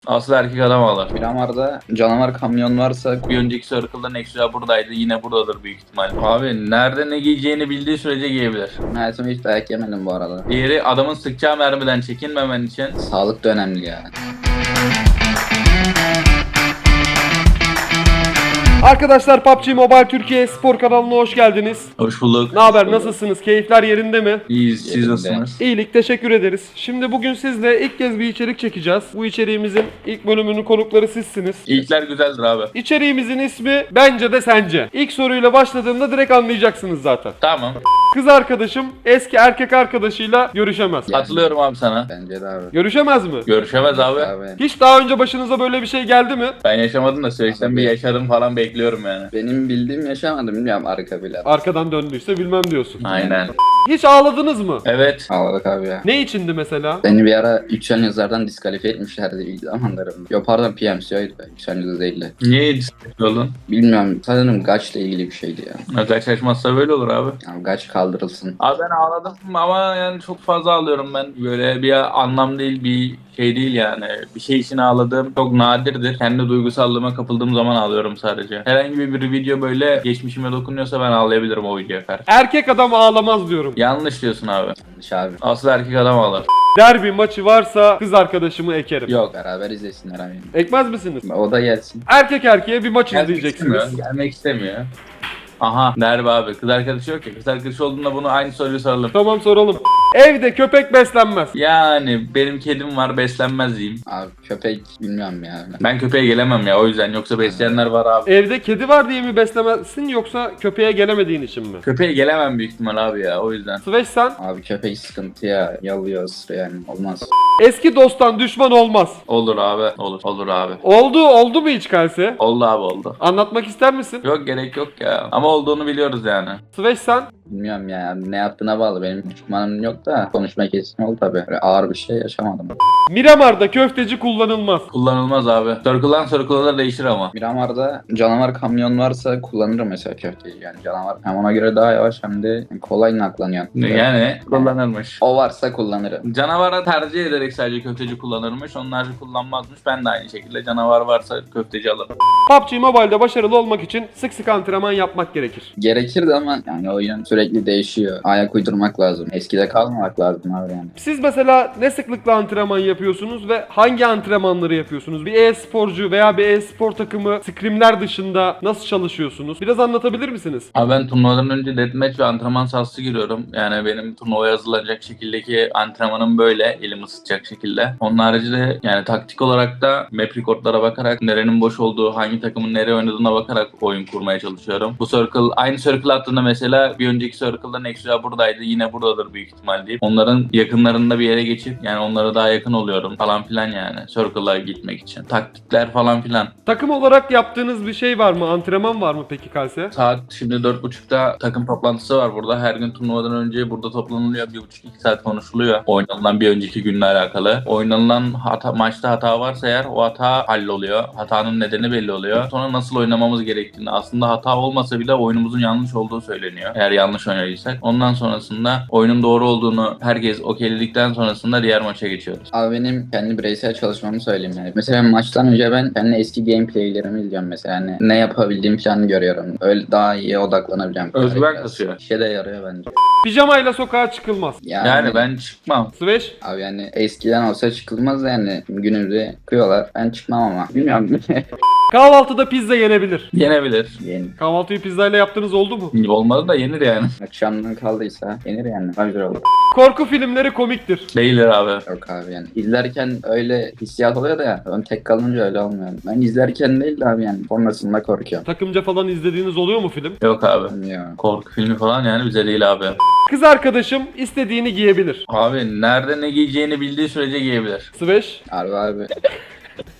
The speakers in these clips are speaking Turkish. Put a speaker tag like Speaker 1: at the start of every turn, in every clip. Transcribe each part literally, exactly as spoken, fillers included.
Speaker 1: Aslı erkek adam ağlar.
Speaker 2: Miramar'da canavar kamyon varsa
Speaker 1: Bir önceki Circle'da Nexus'a buradaydı. Yine buradadır büyük ihtimal. Abi nerede ne giyeceğini bildiği sürece giyebilir.
Speaker 2: hayatımda hiç dayak yemedim bu arada.
Speaker 1: Diğeri adamın sıkacağı mermiden çekinmemen için.
Speaker 2: Sağlık da önemli ya.
Speaker 3: Arkadaşlar P U B G Mobile Türkiye Spor kanalına hoş geldiniz.
Speaker 1: Hoş bulduk.
Speaker 3: Ne haber, nasılsınız? Keyifler yerinde mi?
Speaker 1: İyiyiz. Siz
Speaker 2: Yerinde.
Speaker 1: nasılsınız?
Speaker 3: İyilik, teşekkür ederiz. Şimdi bugün sizle ilk kez bir içerik çekeceğiz. Bu içeriğimizin ilk bölümünün konukları sizsiniz.
Speaker 1: İlkler güzeldir abi.
Speaker 3: İçeriğimizin ismi Bence de Sence. İlk soruyla başladığımda direkt anlayacaksınız zaten.
Speaker 1: Tamam.
Speaker 3: Kız arkadaşım eski erkek arkadaşıyla görüşemez.
Speaker 1: Katılıyorum abi sana.
Speaker 2: Bence de abi.
Speaker 3: Görüşemez mi?
Speaker 1: Görüşemez abi.
Speaker 2: Abi.
Speaker 3: Hiç daha önce başınıza böyle bir şey geldi mi?
Speaker 1: Ben yaşamadım da süreçten bir yaşadım falan bekliyorum yani.
Speaker 2: Benim bildiğim yaşamadım, bilmiyorum arka bile.
Speaker 3: Arkadan döndüyse bilmem diyorsun.
Speaker 1: Aynen.
Speaker 3: Hiç ağladınız mı?
Speaker 1: Evet.
Speaker 2: Ağladık abi ya.
Speaker 3: Ne içindi mesela?
Speaker 2: Beni bir ara Yüksel Yazar'dan diskalifiye etmişlerdi ilk zamanlarımda. Yok pardon P M C O'ydu be. Yüksel Yazar değildi.
Speaker 1: Niye oldun?
Speaker 2: Bilmiyorum, sanırım Gaç'la ilgili bir şeydi ya.
Speaker 1: Kaç açmazsa böyle olur abi.
Speaker 2: Yani Gaç kaldırılsın.
Speaker 1: Abi ben ağladım ama yani çok fazla ağlıyorum ben. Böyle bir anlam değil, bir şey değil yani. Bir şey için ağladığım çok nadirdir. Kendi duygusallığıma kapıldığım zaman ağlıyorum sadece. Herhangi bir video böyle geçmişime dokunuyorsa ben ağlayabilirim o videoya karşı.
Speaker 3: Erkek adam ağlamaz diyorum.
Speaker 1: Yanlış diyorsun abi.
Speaker 2: Yanlış abi.
Speaker 1: Asıl erkek adam ağlar.
Speaker 3: Derbi maçı varsa kız arkadaşımı ekerim.
Speaker 1: Yok.
Speaker 2: Beraber izlesinler abi.
Speaker 3: Ekmez misiniz?
Speaker 2: O da gelsin.
Speaker 3: Erkek erkeğe bir maç
Speaker 1: Gelmek
Speaker 3: izleyeceksiniz.
Speaker 1: istemiyor. Gelmek istemiyor. Aha derbi abi. Kız arkadaşı yok ya. Kız arkadaşı olduğunda bunu aynı soruyu soralım.
Speaker 3: Tamam, soralım. Evde köpek beslenmez.
Speaker 1: Yani benim kedim var, beslenmez diyeyim.
Speaker 2: Abi köpek bilmiyorum ya.
Speaker 1: Ben köpeğe gelemem ya o yüzden. Yoksa besleyenler var abi.
Speaker 3: Evde kedi var diye mi beslemezsin yoksa köpeğe gelemediğin için mi?
Speaker 1: Köpeğe gelemem büyük ihtimal abi ya o yüzden.
Speaker 3: Sveş sen?
Speaker 2: Abi köpek sıkıntı ya. Yalıyor, ısırıyor yani. Olmaz.
Speaker 3: Eski dosttan düşman olmaz.
Speaker 1: Olur abi. Olur. Olur abi.
Speaker 3: Oldu, oldu mu hiç Kalse?
Speaker 1: Oldu abi oldu.
Speaker 3: Anlatmak ister misin?
Speaker 1: Yok gerek yok ya. Ama olduğunu biliyoruz yani.
Speaker 3: Sveş sen?
Speaker 2: Bilmiyorum ya. Ne yaptığına bağlı. Benim düşmanım yok da konuşma kesin oldu tabii. Böyle ağır bir şey yaşamadım.
Speaker 3: Miramar'da köfteci kullanılmaz.
Speaker 1: Kullanılmaz abi. Circle'dan Circle'a da değişir ama.
Speaker 2: Miramar'da canavar kamyon varsa kullanırım mesela köfteyi. Yani canavar hem ona göre daha yavaş hem de kolay naklanıyor.
Speaker 1: Yani kullanılmış.
Speaker 2: O varsa kullanırım.
Speaker 1: Canavara tercih ederek sadece köfteci kullanırmış. Onlar kullanmazmış. Ben de aynı şekilde canavar varsa köfteci alırım.
Speaker 3: P U B G Mobile'da başarılı olmak için sık sık antrenman yapmak gerekir.
Speaker 2: Gerekirdi ama yani oyun sürekli değişiyor. Ayak uydurmak lazım. Eskide kalmamak lazım abi yani.
Speaker 3: Siz mesela ne sıklıkla antrenman yapıyorsunuz ve hangi antrenmanları yapıyorsunuz? Bir e-sporcu veya bir e-spor takımı scrimler dışında nasıl çalışıyorsunuz? Biraz anlatabilir misiniz?
Speaker 1: Abi ben turnuvadan önce deathmatch ve antrenman sahası giriyorum. Yani benim turnuvaya hazırlanacak şekildeki antrenmanım böyle. Elimi ısıtacak şekilde. Onun haricinde yani taktik olarak da map recordlara bakarak nerenin boş olduğu, hangi takımın nereye oynadığına bakarak oyun kurmaya çalışıyorum. Bu circle, aynı circle attığında mesela bir önceki circle'da Nexus'a buradaydı. Yine buradadır büyük ihtimal deyip onların yakınlarında bir yere geçip yani onlara daha yakın oluyorum falan filan yani. Circle'a gitmek için. Taktikler falan filan.
Speaker 3: Takım olarak yaptığınız bir şey var mı? Antrenman var mı peki Kalse?
Speaker 1: Saat şimdi dört buçukta takım toplantısı var burada. Her gün turnuvadan önce burada toplanılıyor. bir buçuk iki saat konuşuluyor. Oynanılan bir önceki günle alakalı. Oynanılan hata, maçta hata varsa eğer o hata halloluyor. Hatanın nedeni belli oluyor. Sonra nasıl oynamamız gerektiğini, aslında hata olmasa bile oyunumuzun yanlış olduğu söyleniyor. Eğer yanlış oynadıysak. Ondan sonrasında oyunun doğru olduğunu herkes okeyledikten sonrasında diğer maça geçiyoruz.
Speaker 2: Abi benim kendi bireysel çalışmamı söyleyeyim yani. Mesela maçtan önce ben kendi eski gameplaylerimi izliyorum mesela. Hani ne yapabildiğim falan görüyorum. Öyle daha iyi odaklanabileceğim.
Speaker 1: Özgüven
Speaker 2: Biraz
Speaker 1: kasıyor.
Speaker 2: İşe de yarıyor bence.
Speaker 3: Pijamayla sokağa çıkılmaz.
Speaker 2: Yani,
Speaker 1: Yani ben çıkmam.
Speaker 3: Sveş?
Speaker 2: Abi yani eskiden olsa çıkılmaz yani. Günümüzde çıkıyorlar. Ben çıkmam ama. Bilmiyorum.
Speaker 3: Kahvaltıda pizza yenebilir.
Speaker 1: Yenebilir.
Speaker 2: Yeni.
Speaker 3: Kahvaltıyı pizzayla yaptığınız oldu mu?
Speaker 1: Olmadı da yenir yani.
Speaker 2: Akşamdan kaldıysa yenir yani. Daha güzel olur.
Speaker 3: Korku filmleri komiktir.
Speaker 1: Değildir abi.
Speaker 2: Yok abi yani. İzlerken öyle hissiyat oluyor da ya. Ben tek kalınca öyle olmuyor. Ben izlerken değil de abi yani. Sonrasında korkuyorum.
Speaker 3: Takımca falan izlediğiniz oluyor mu film?
Speaker 1: Yok abi.
Speaker 2: Bilmiyorum.
Speaker 1: Korku filmi falan yani bize değil abi.
Speaker 3: Kız arkadaşım istediğini giyebilir.
Speaker 1: Abi nerede ne giyeceğini bildiği sürece giyebilir.
Speaker 3: Sveş?
Speaker 2: Harbi abi.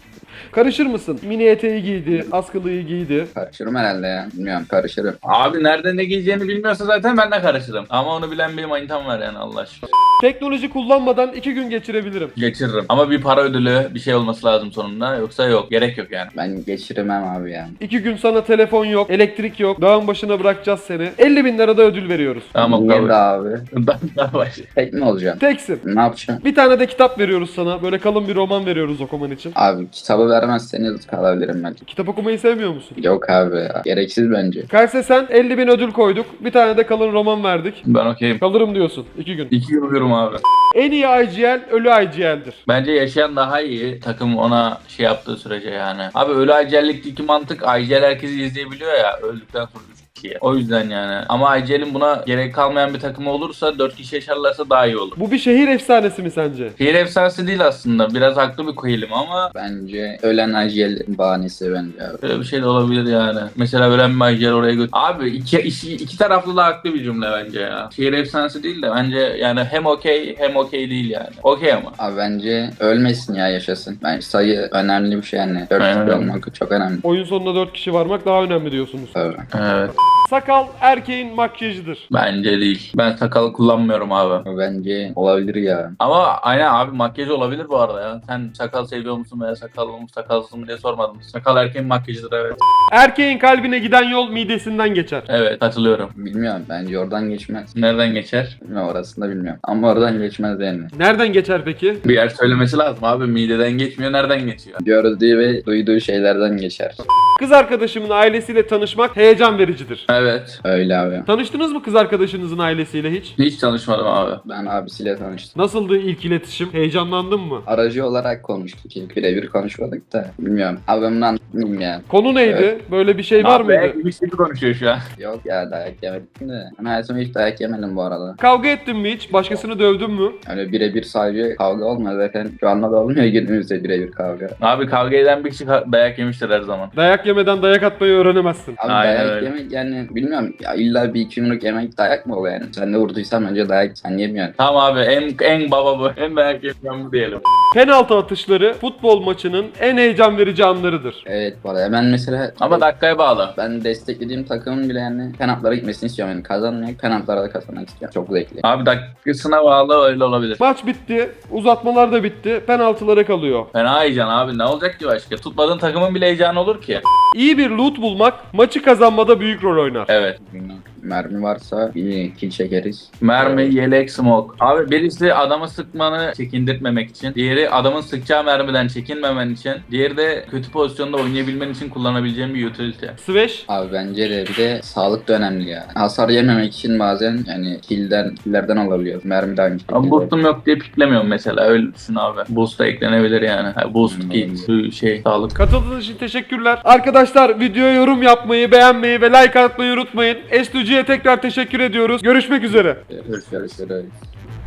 Speaker 3: Karışır mısın? Mini eteği giydi, askılıyı giydi.
Speaker 2: Karışırım herhalde ya. Bilmiyorum, karışırım.
Speaker 1: Abi nerede ne giyeceğini bilmiyorsa zaten ben de karışırım. Ama onu bilen bir manitam var yani Allah aşkına.
Speaker 3: Teknoloji kullanmadan iki gün geçirebilirim.
Speaker 1: Geçiririm. Ama bir para ödülü bir şey olması lazım sonunda. Yoksa yok. Gerek yok yani.
Speaker 2: Ben geçirmem abi ya.
Speaker 3: İki gün sana telefon yok, elektrik yok, dağın başına bırakacağız seni. elli bin lira da ödül veriyoruz.
Speaker 1: Tamam
Speaker 2: Niye
Speaker 1: kabul.
Speaker 2: de abi?
Speaker 1: Ben daha baş.
Speaker 2: Tek mi olacağım?
Speaker 3: Teksin.
Speaker 2: Ne yapacağım?
Speaker 3: Bir tane de kitap veriyoruz sana. Böyle kalın bir roman veriyoruz okuman için.
Speaker 2: Abi kitabı vermezseniz kalabilirim ben.
Speaker 3: Kitap okumayı sevmiyor musun?
Speaker 2: Yok abi ya. Gereksiz bence.
Speaker 3: Kayse sen elli bin ödül koyduk. Bir tane de kalın roman verdik.
Speaker 1: Ben okeyim.
Speaker 3: Kalırım diyorsun. iki gün.
Speaker 1: İki yıllıyorum abi.
Speaker 3: En iyi I G L, ölü I G L'dir.
Speaker 1: Bence yaşayan daha iyi. Takım ona şey yaptığı sürece yani. Abi ölü acellikteki mantık I G L herkesi izleyebiliyor ya. Öldükten sonra üç kişiye. O yüzden yani. Ama I G L'in buna gerek kalmayan bir takımı olursa dört kişi yaşarlarsa daha iyi olur.
Speaker 3: Bu bir şehir efsanesi mi sence?
Speaker 1: Şehir efsanesi değil aslında. Biraz haklı bir koyulum ama
Speaker 2: Bence ölen acelin bahanesi bence abi.
Speaker 1: böyle bir şey de olabilir yani. Mesela ölen bir I G L oraya götür. Abi iki, iki, iki taraflı da haklı bir cümle bence ya. Şehir efsanesi değil de bence yani hem okey hem okey değil yani. Okey ama.
Speaker 2: Abi bence ölmesin ya, yaşasın. Bence sayı önemli bir şey yani. dört
Speaker 1: Aynen
Speaker 2: kişi
Speaker 1: öyle.
Speaker 2: olmak çok önemli.
Speaker 3: Oyun sonunda dört kişi varmak daha önemli diyorsunuz.
Speaker 2: Tabii.
Speaker 1: Evet.
Speaker 3: Sakal erkeğin makyajıdır.
Speaker 1: Bence değil. Ben sakal kullanmıyorum abi.
Speaker 2: Bence olabilir ya.
Speaker 1: Ama aynen abi makyaj olabilir bu arada ya. Sen sakal seviyor musun veya sakallı mı sakalsız mı diye sormadım. Sakal erkeğin makyajıdır evet.
Speaker 3: Erkeğin kalbine giden yol midesinden geçer.
Speaker 1: Evet katılıyorum.
Speaker 2: Bilmiyorum, bence oradan geçmez.
Speaker 1: Nereden geçer?
Speaker 2: Bilmiyorum, orasını da bilmiyorum. Ama oradan geçmez yani.
Speaker 3: Nereden geçer peki?
Speaker 1: Bir yer söylemesi lazım abi. Mideden geçmiyor nereden geçiyor?
Speaker 2: Gördüğü ve duyduğu şeylerden geçer.
Speaker 3: Kız arkadaşımın ailesiyle tanışmak heyecan vericidir.
Speaker 1: Evet.
Speaker 2: Öyle abi.
Speaker 3: Tanıştınız mı kız arkadaşınızın ailesiyle hiç?
Speaker 1: Hiç tanışmadım abi.
Speaker 2: Ben abisiyle tanıştım.
Speaker 3: Nasıldı ilk iletişim? Heyecanlandın mı?
Speaker 2: Aracı olarak konuştuk. İlk birebir konuşmadık da. Bilmiyorum. Abi ben bunu anlatmayayım ya.
Speaker 3: Konu neydi?
Speaker 2: Evet.
Speaker 3: Böyle bir şey var
Speaker 1: Abi,
Speaker 3: mıydı?
Speaker 1: Gibi gibi konuşuyor şu an.
Speaker 2: Yok ya, dayak yemedim de. Ben hayatımda hiç dayak yemedim bu arada.
Speaker 3: Kavga ettin mi hiç? Başkasını dövdün mü?
Speaker 2: Öyle birebir sadece kavga olmaz zaten. Şu anda da olmuyor günümüzde birebir kavga.
Speaker 1: Abi kavga eden bir kişi ka- dayak yemiştir her zaman.
Speaker 3: Dayak yemeden dayak atmayı öğrenemezsin.
Speaker 2: Abi
Speaker 1: Aynen
Speaker 2: dayak
Speaker 1: öyle.
Speaker 2: yemek yani bilmiyorum ya, illa bir iki yumruk yemek dayak mı oluyor yani? Sen de vurduysan önce dayak sen yemiyorsun.
Speaker 1: Tamam abi en en baba bu. En dayak yemeyen bu diyelim.
Speaker 3: Penaltı atışları futbol maçının en heyecan verici anlarıdır.
Speaker 2: Evet bu arada ben mesela
Speaker 1: Ama dakikaya bağlı.
Speaker 2: ben desteklediğim takımın bile yani penaltılara gitmesini istiyorum yani, kazanmayıp penaltılara da kazanmak istiyorum. Çok zevkli.
Speaker 1: Abi dakikasına bağlı öyle olabilir.
Speaker 3: Maç bitti, uzatmalar da bitti, penaltılara kalıyor.
Speaker 1: Fena heyecan abi ne olacak ki başka? Tutmadığın takımın bile heyecanı olur ki.
Speaker 3: İyi bir loot bulmak maçı kazanmada büyük rol oynar.
Speaker 1: Evet.
Speaker 2: Mermi varsa bir kill çekeriz.
Speaker 1: Mermi, yelek, smoke. Abi birisi adamı sıkmanı çekindirtmemek için. Diğeri adamın sıkacağı mermiden çekinmemen için. Diğeri de kötü pozisyonda oynayabilmen için kullanabileceğin bir utility.
Speaker 3: Sveş,
Speaker 2: Abi bence de bir de sağlık da önemli ya. Hasar yememek için bazen yani kill'den, kill'lerden alabiliyoruz. Mermi de aynı şekilde.
Speaker 1: Ama boostum yok diye piklemiyorum mesela. Öyle düşün abi. Boost da eklenebilir yani. Ha, boost,
Speaker 2: Hmm.
Speaker 1: kit, su- şey, sağlık.
Speaker 3: katıldığınız için teşekkürler. Arkadaşlar videoya yorum yapmayı, beğenmeyi ve like atmayı unutmayın. S iki G'ye tekrar teşekkür ediyoruz. Görüşmek üzere.
Speaker 2: Görüşürüz.